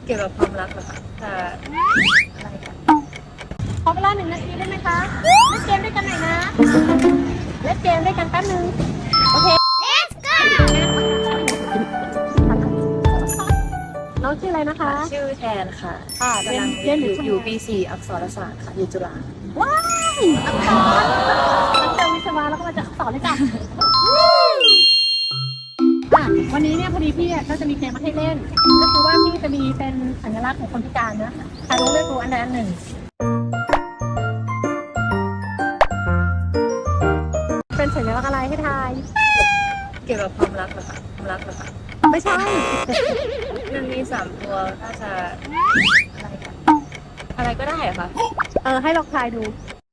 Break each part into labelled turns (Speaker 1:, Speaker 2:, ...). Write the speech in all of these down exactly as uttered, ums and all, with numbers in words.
Speaker 1: เกี่ยวกับความรักเหรอคะจะอะไรกัน
Speaker 2: ขอเวลาหนึ่งนาทีได้ไหมคะเล่นเกมด้วยกันหน่อยนะเล่นเกมด้วยกันแป๊บนึงโอเค let's go น้องชื่ออะไรนะคะ
Speaker 1: ชื่อแทนค่ะ
Speaker 2: ค่ะ
Speaker 1: กำลัง
Speaker 2: เรียนอยู่
Speaker 1: อยู่อยู่ปีสี่อักษรศาสตร์ค่ะอยู่จุฬา
Speaker 2: ว้ายอักษรมันเจอวิศวะแล้วก็มาจากอักษรเลยจ้ะอ่ะวันนี้เนี่ยพอดีพี่ก็จะมีเกมมาให้เล่น ก็คือว่าพี่จะมีเป็นสัญลักษณ์ของคนพิการนะใครรู้เลือกรู้อันใดอันหนึ่งเป็นสัญลักษณ์อะไรให้ทาย
Speaker 1: เกี่ยวกับความรักเหรอคะความรักเหรอคะ
Speaker 2: ไม่ใช่
Speaker 1: มันมีสามตัวน่าจะอะไรกันอะไรก็ได้เหรอคะ
Speaker 2: เออให้ลองทายดู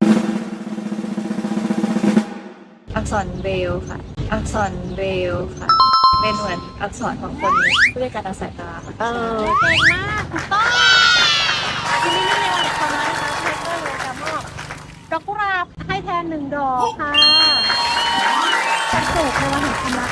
Speaker 1: อักษรเบรลล์ค่ะ อักษรเบรลล์ค่ะ เป็นเหมือนอักษรของคนผู้พิการทางสายตาค่ะ
Speaker 2: เออเก่งมากถูกต้องทีนี้ในวันของเรานะคะเทเตอร์เลยจะมอบดอกกุหลาบให้แทนหนึ่งดอกค่ะความสุขในวันแห่งความรัก